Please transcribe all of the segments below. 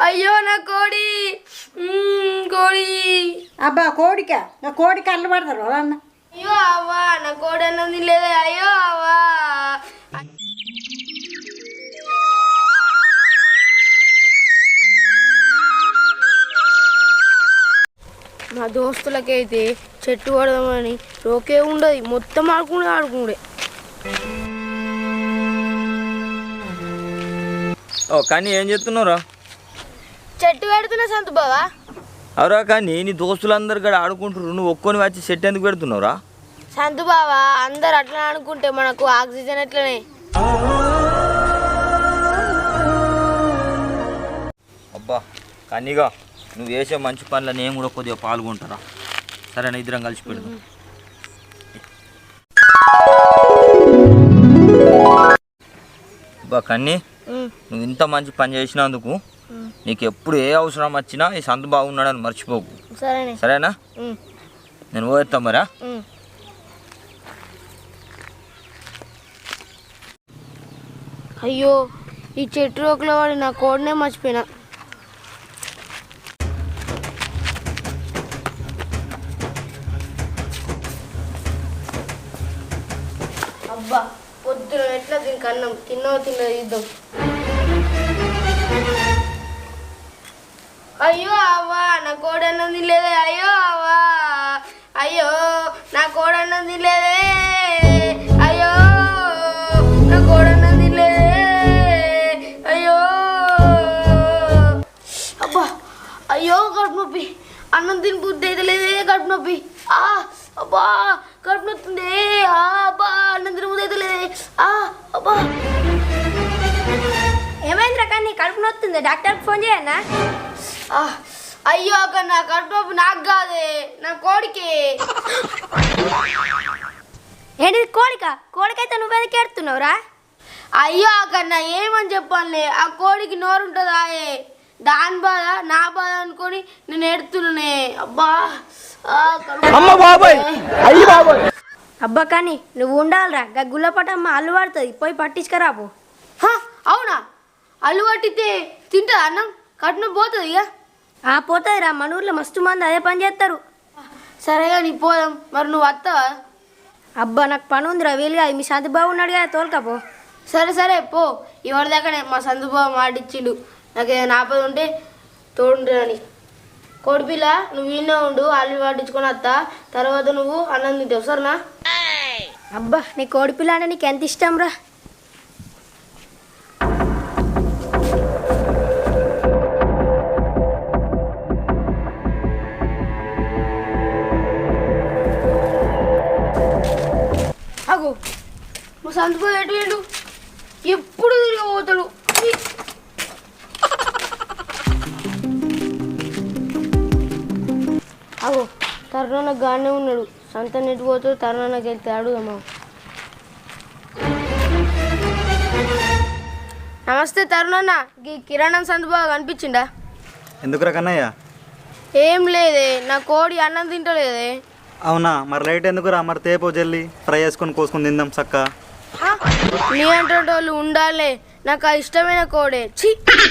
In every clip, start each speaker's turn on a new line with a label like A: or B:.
A: అయ్యో నా కోడి కోడి.
B: అబ్బా కోడిక నా కోడికి అల్లు పడతారు అన్న.
A: అయ్యో అవ్వా నా కోడి అన్నది లేదా. అయ్యో అవ్వా మా దోస్తులకైతే చెట్టు పడదామని రోకే ఉండదు, మొత్తం ఆడుకుండే.
C: ఓ కానీ ఏం చెప్తున్నావురా?
A: చెట్టు పెడుతున్నా సంతు బావా.
C: అవరా కానీ నీ దోస్తులందరు కూడా ఆడుకుంటున్నారు, నువ్వు ఒక్కొని వచ్చి చెట్టు ఎందుకు పెడుతున్నావురా?
A: సంతు బావా అందరు అట్లా అనుకుంటే మనకు ఆక్సిజన్ ఎట్లనే.
C: అబ్బా కన్నీగా నువ్వు వేసే మంచి పనుల నేను కూడా కొద్దిగా పాల్గొంటారా? సరేనా, ఇద్దరం కలిసి పెడదాం. అబ్బా కన్నీ నువ్వు ఇంత మంచి పని చేసినందుకు నీకు ఎప్పుడు ఏ అవసరం వచ్చినా ఈ సంత బాగున్నాడని మర్చిపోకు, సరేనా? నేను పోయేస్తా మరా.
A: అయ్యో ఈ చెట్టు రోకలో వాడి నా కోడినే మర్చిపోయినా. అబ్బా పొద్దున ఎట్లా దీనికి అన్నం తిన్నో ఇద్దాం. అయ్యో అవ్వా నా కోడి అన్నం తినలేదే. అయ్యో అవ్వా అయ్యో నా కోడి అన్నం తినలేదే. అయ్యో నా కోడి అన్నం తినలేదే. అయ్యో అబ్బా అయ్యో కడుపు నొప్పి, అన్నం తిని బుద్ధి అయితే లేదే. కడుపు నొప్పి అబ్బా కడుపు నొస్తుంది. అబ్బా అన్నం తిని బుద్ధి అయితే లేదే. అబ్బా
D: ఏమైందిరా కానీ కడుపు నొస్తుంది, డాక్టర్కి ఫోన్ చేయన్నా?
A: అయ్యో అక్క నా కడుపు నొప్పి నాకు కాదే, నా కోడికి.
D: ఏంటిది కోడిక? కోడికైతే నువ్వెందుకు ఏడుతున్నావురా?
A: అయ్యో అక్క ఏమని చెప్పాలే, ఆ కోడికి నోరు ఉంటుందా? దాని బాధ నా బాధ అనుకొని నేను ఏడుతున్నానే. అబ్బా
D: అబ్బా కానీ నువ్వు ఉండాలిరా, గుల్లపటమ్మ అల్లు పడుతుంది, పోయి పట్టించుకరాపు.
A: అవునా? అల్లు పట్టితే తింటుంది అన్నం, కడుపు పోతుంది ఇక.
D: పోతుందిరా, మన ఊర్లో మస్తు మంది అదే పని చేస్తారు.
A: సరేగా నీ పోదాం. మరి నువ్వు వస్తావా?
D: అబ్బా నాకు పని ఉందిరా, వీలుగా మీ సంత బాగున్నాడు కదా, తోలుకపో.
A: సరే పో. ఇవాళ దాకానే మా సందుబాబు మాటిచ్చిండు నాకు ఏదైనా ఆపద ఉంటే తోడుంటుందని. కోడిపిల్ల నువ్వు వీళ్ళే ఉండు, అల్లు పట్టించుకొని వస్తా, తర్వాత నువ్వు అన్నం తింటావు, సరేనా?
D: అబ్బా నీ కోడిపిల్ల అంటే నీకు ఎంత ఇష్టం రా.
A: అగో మా సందుబాబు ఎటు వెళ్ళు, ఎప్పుడు తిరిగిపోతాడు. అగో తరుణ గానే ఉన్నాడు, సంత నెట్టు పోతాడు. తరుణకి వెళ్తే అడుగుదామా. నమస్తే తరుణన్న, ఈ కిరాణం సందుబాబు కనిపించిండా?
E: ఎందుకు కన్నయ్య?
A: ఏం లేదే, నా కోడి అన్నం తింటలేదే.
E: అవునా, మరి లైట్ ఎందుకురా? మరి తేపో జల్లి ఫ్రై చేసుకొని కోసుకొని తిందాం చక్క.
A: నీ అంటే వాళ్ళు ఉండాలే, నాకు ఆ ఇష్టమైన కోడే. ఛీ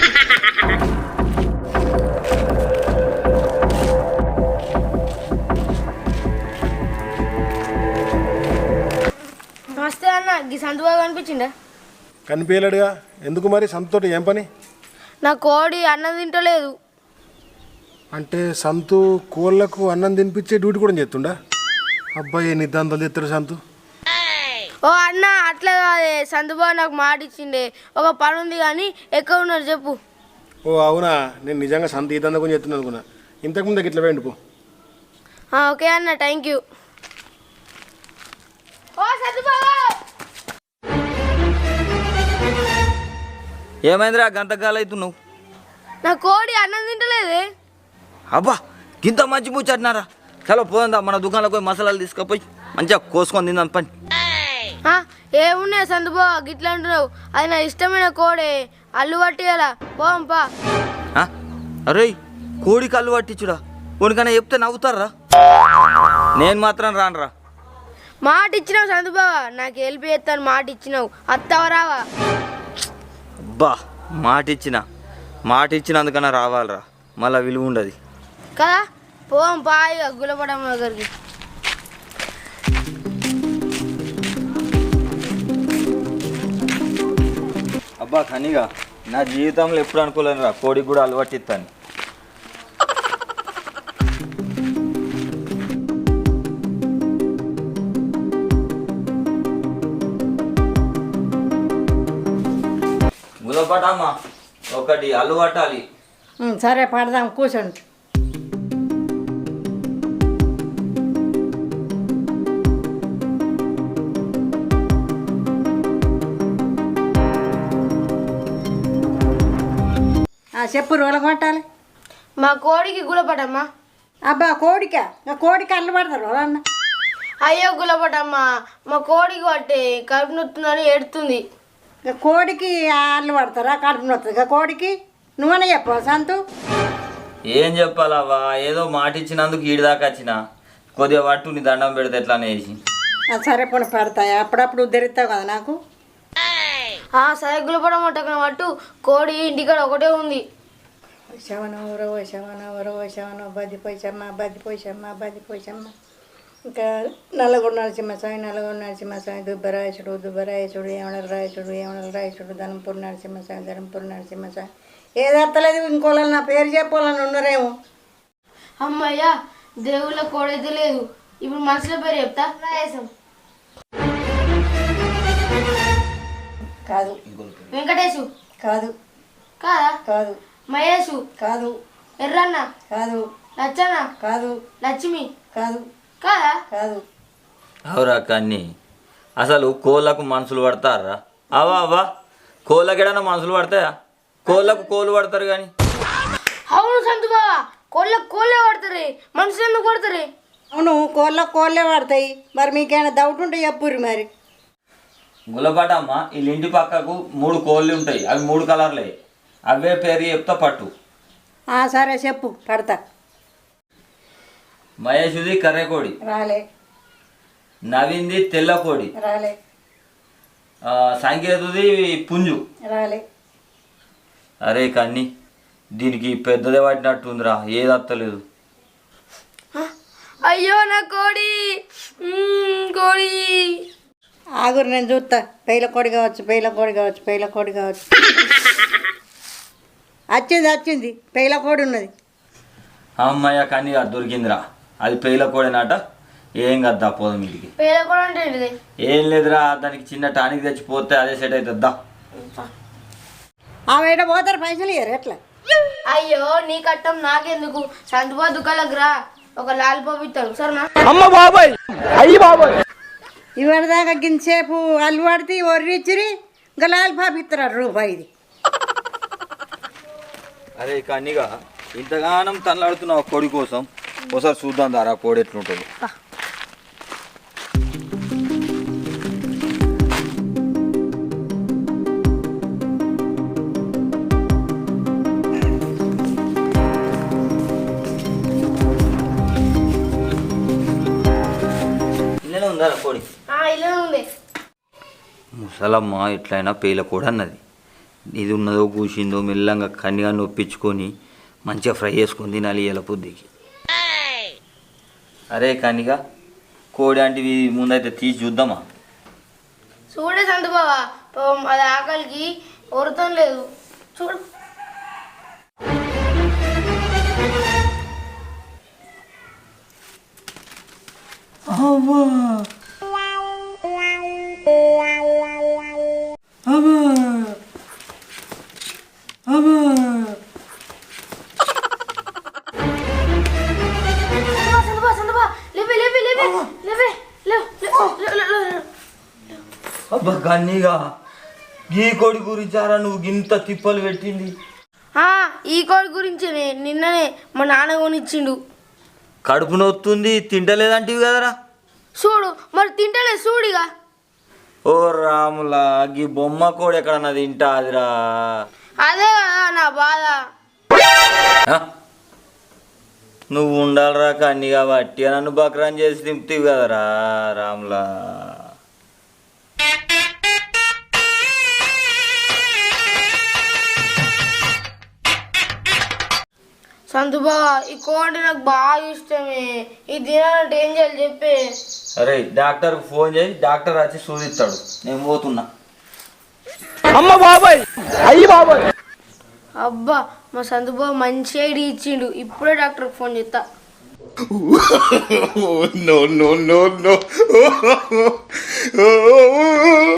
A: నమస్తే అన్న, ఈ సందుబాబు కనిపించిండా?
F: కనిపించలేడుగా. ఎందుకు మరి సంతోటి ఏం పని?
A: నా కోడి అన్నం తింటలేదు.
F: అంటే సంతు కోళ్ళకు అన్నం తినిపించే డ్యూటీ కూడా చేస్తుండా? అబ్బాయి నిద్దాంతలు తెస్తాడు సంతు.
A: ఓ అన్న అట్లా కాదే, సందుబాబు నాకు మాట ఇచ్చిండే, ఒక పని ఉంది కానీ ఎక్కడ ఉన్నారు చెప్పు.
F: ఓ అవునా, నేను నిజంగా సంత ఇదంతా కొంచెం చెప్తున్నాను అనుకున్నా. ఇంతకుముందు ఇట్లా వేయండి పో.
A: ఓకే అన్న, థ్యాంక్ యూ. ఓ సందుబాబు,
C: ఏమైందిరా గంతకాలు అవుతున్నావు?
A: నా కోడి అన్నం తింటలేదే.
C: అబ్బా గింత మంచి ముచ్చట్నారా? చలో పోదా, మన దుకాణంలో పోయి మసాలాలు తీసుకుపోయి మంచిగా కోసుకొని తిందాం పని.
A: ఏమున్నాయి సందుబాబు గిట్లా అంటున్నావు? అది నా ఇష్టమైన కోడే, అల్లు పట్టియాలా పోంపా.
C: అరే కోడికి అల్లు పట్టించుడా? కొనికన్నా చెప్తే నవ్వుతారా? నేను మాత్రం రానురా.
A: మాట ఇచ్చినావు సందుబాబు, నాకు హెల్ప్ చేస్తాను మాట ఇచ్చినావు, అత్తవరావా?
C: అబ్బా మాట ఇచ్చిన మాట ఇచ్చినందుకన్నా రావాలిరా, మళ్ళీ విలువ ఉండదు
A: కదా. పోం పాయిగా గులపటమ్మ దగ్గరికి.
C: అబ్బా కనిగా నా జీవితంలో ఎప్పుడు అనుకోలేను రా కోడికి కూడా అలవాటు ఇస్తాను. గులపటమ్మ ఒకటి అలవాటాలి.
B: సరే పడదాం, కూర్చోండి. చెప్పు, రోల కొట్టాలి.
A: మా కోడికి గులపటమ్మ.
B: అబ్బా కోడిక, కోడికి అల్లు పడతారు రోలన్న.
A: అయ్యో గులపటమ్మ, మా కోడికి పట్టి కడుపు నొత్తుందని ఏడుతుంది.
B: కోడికి అల్లు పడతారా? కడుపు నొస్తుంది కోడికి. నువ్వనే చెప్పు సంతు.
C: ఏం చెప్పాలవ్వా, ఏదో మాట ఇచ్చినందుకు ఈడి దాకా వచ్చిన కొద్దిగా పట్టు, నీ దండం పెడితే ఎట్లా అనేసి.
B: సరే పోనీ పెడతాయి, అప్పుడప్పుడు ఉద్ధరిస్తావు కదా నాకు.
A: సరే గులపటమ్మ టక్కన పట్టు. కోడి ఇంటికాడ ఒకటే ఉంది.
B: శవనం రవ శవనం రవ శవనం బద్దిపోయిసమ్మ బద్దిపోయిసమ్మ బద్దిపోయిసమ్మ. ఇంకా నల్లగొండ నరసింహస్వామి, నల్లగొండ నరసింహస్వామి, దుబ్బరాయసుడు దుబ్బరాయసుడు, ఏమనల రాయసుడు ఏమనల రాయసుడు, ధనంపూర్ నరసింహస్వామి ధనంపూర్ నరసింహస్వామి. ఏది అర్థలేదు, ఇంకోళ్ళు నా పేరు చెప్పాలని ఉన్నారేమో.
A: అమ్మయ్య, దేవుళ్ళ కోడైతే లేదు. ఇప్పుడు మనుషుల పేరు చెప్తా. రాయేశం.
B: కాదు.
A: వెంకటేశు.
B: కాదు.
A: కాదా?
B: కాదు.
A: మహేషు.
B: కాదు.
A: ఎర్రన్న.
B: కాదు.
A: లచ్చన్న.
B: కాదు.
A: లక్ష్మి.
B: కాదు.
A: కాదా?
B: కాదు.
C: అవురా కన్ని, అసలు కోళ్ళకు మనుషులు పడతారా? అవా అవ్వా, కోళ్ళకి ఏడన్నా మనుషులు పడతాయా? కోళ్ళకు కోళ్ళు పడతారు కానీ.
A: అవును సంతు బావా, కోళ్ళకు కోళ్ళే పడతారు, మనుషులు ఎందుకు పడతారు?
B: అవును, కోళ్ళే పడతాయి. మరి మీకేమైనా డౌట్ ఉంటే చెప్పుర్రి మరి.
C: గులపటమ్మ వీళ్ళ ఇంటి పక్కకు 3 కోళ్ళు ఉంటాయి, అవి 3 కలర్లే. అవే పేరు చెప్తా పట్టు.
B: సరే చెప్పు, పడతా.
C: మహేషుది కర్రె కోడి,
B: రాలే.
C: నవీన్ది తెల్ల కోడి,
B: రాలే.
C: సంకేతుది పుంజు,
B: రాలే.
C: అరే కన్ని, దీనికి పెద్దదే పట్టినట్టుందిరా, ఏది అత్తలేదు.
A: అయ్యో నా కోడి. కోడి.
B: ఆగురు, నేను చూస్తా. పేల కోడి కావచ్చు, పేల కోడి కావచ్చు, పేల కోడి కావచ్చు. వచ్చింది పేల కోడి ఉన్నది.
C: అమ్మయ్య కన్ని దొరికిందిరా, అది పేల కోడేనాట. ఏం కద్దా పోదాం ఇంటికి.
A: పేద కోడి అంటే ఏంటిది?
C: ఏం లేదురా, దానికి చిన్న టానిక్ తెచ్చిపోతే అదే సెట్ అవుతుందా.
B: ఆమె ఏడ పోతారు, పైసలు ఇయ్యరు ఎట్లా?
A: అయ్యో నీ కట్టం నాకెందుకు, సంతుబా దుకాణాలకు రా, ఒక లాలిపాప్ ఇస్తాడు సరేనా?
B: ఇవరిదాకా గింతసేపు అల్లు పడితే ఒర్రిచ్చిరి, ఇంకా లాలిపాపు ఇస్తారు రూపాయిది.
C: అరే కన్నిగా ఇంతగానం తనలాడుతున్నావు కోడి కోసం, ఒకసారి చూద్దాం దారా కోడి ఎట్లుంటుంది. ఇల్లనే ఉందా కోడి?
A: ఇలా ఉంది.
C: ముసలమ్మ ఎట్లయినా పేల కోడి అన్నది. ఇది ఉన్నదో కూసిందో మెల్లంగా కన్నిగా నొప్పించుకొని మంచిగా ఫ్రై చేసుకొని తినాలి ఇలా పొద్దుకి. అరే కన్నిగా కోడి అంటే ముందైతే తీసి చూద్దామా?
A: చూడే సంతుబావా, అది ఆకలికి ఒరుతం లేదు చూడు.
C: అబ్బా కన్నీగా, ఈ కోడి గురించారా నువ్వు గింత తిప్పలు పెట్టింది?
A: ఈ కోడి గురించి నిన్ననే మా నాన్న కొనిచ్చిండు.
C: కడుపు నొత్తుంది తింటలేదంటివి కదరా?
A: చూడు మరి తింటలే చూడిగా.
C: ఓ రాములా, గీ బొమ్మ కోడి ఎక్కడన్నా తింటాదిరా?
A: అదే కదా నా బాధ.
C: నువ్వు ఉండాలిరా కన్నీగా, బట్టి నన్ను బక్రాన్ చేసి తింపుతావు కదరా రాములా.
A: సంతుబా ఈ కోడి అంటే నాకు బాగా ఇష్టమే. ఈ తినాలంటే ఏం చేయాలి చెప్పే.
C: అరే డాక్టర్కి ఫోన్ చేయి, డాక్టర్ వచ్చి సూదిస్తాడు. నేను పోతున్నా.
A: అబ్బా మా సంతుబా మంచి ఐడియా ఇచ్చిండు. ఇప్పుడే డాక్టర్కి ఫోన్ చేస్తా.
F: No.